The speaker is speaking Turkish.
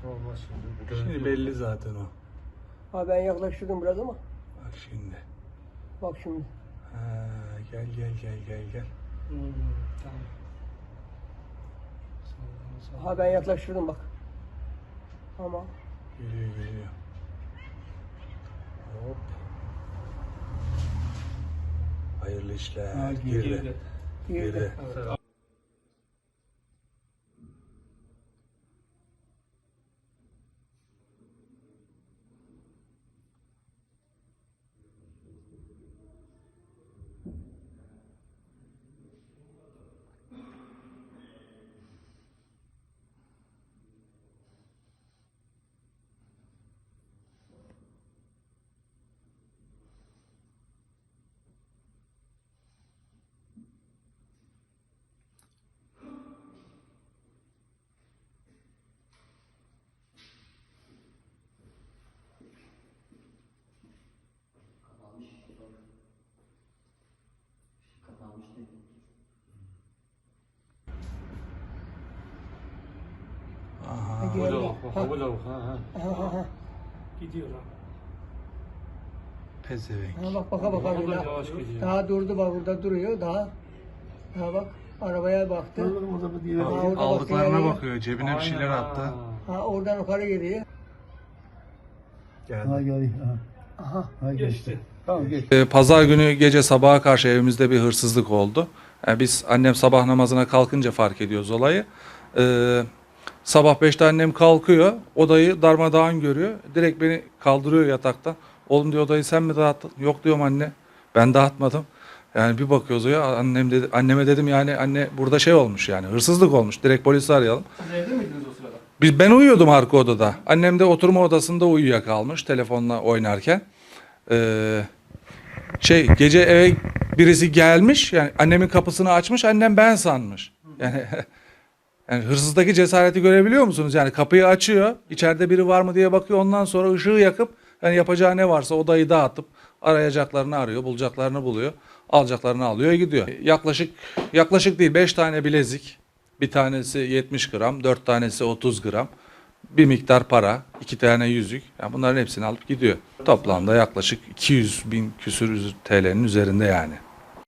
Olmaz şimdi. Şimdi belli zaten o. Ha ben yaklaştırdım biraz ama. Bak şimdi. Bak şimdi. Ha, gel. Tamam. Ha ben yaklaştırdım bak. Ama Geliyor. Hop. Hayırlı işler. Ha, girdi. girdi. Evet. Aha. Geldi. Bu lavuk. Ha. Ha. Gidiyor ha. Pezevenk. Ha bak baka baka O da bir yavaş gidiyor. daha durdu bak burada duruyor daha. Ha bak arabaya baktı. Ha, orada Aldıklarına bakıyor. bakıyor. Cebine bir şeyler attı. Ha oradan yukarı geliyor. Geldi. Ha gel. Aha. Ha Geçti. Tamam geç. Pazar günü gece sabaha karşı evimizde bir hırsızlık oldu. Yani biz annem sabah namazına kalkınca fark ediyoruz olayı. Sabah 5'te annem kalkıyor. Odayı darmadağın görüyor. Direkt beni kaldırıyor yataktan. Oğlum diyor odayı sen mi dağıttın? Yok diyorum anne. Ben dağıtmadım. Yani bir bakıyoruz ya anneme dedim yani anne burada şey olmuş yani hırsızlık olmuş. Direkt polisi arayalım. Siz evde miydiniz o sırada? Ben uyuyordum arka odada. Annem de oturma odasında uyuyakalmış telefonla oynarken. Gece eve birisi gelmiş yani annemin kapısını açmış annem ben sanmış. Yani hırsızdaki cesareti görebiliyor musunuz? Yani kapıyı açıyor, içeride biri var mı diye bakıyor. Ondan sonra ışığı yakıp yani yapacağı ne varsa odayı dağıtıp arayacaklarını arıyor, bulacaklarını buluyor, alacaklarını alıyor, gidiyor. Yaklaşık değil 5 tane bilezik, bir tanesi 70 gram, 4 tanesi 30 gram, bir miktar para, 2 tane yüzük. Yani bunların hepsini alıp gidiyor. Toplamda yaklaşık 200 bin küsür TL'nin üzerinde yani.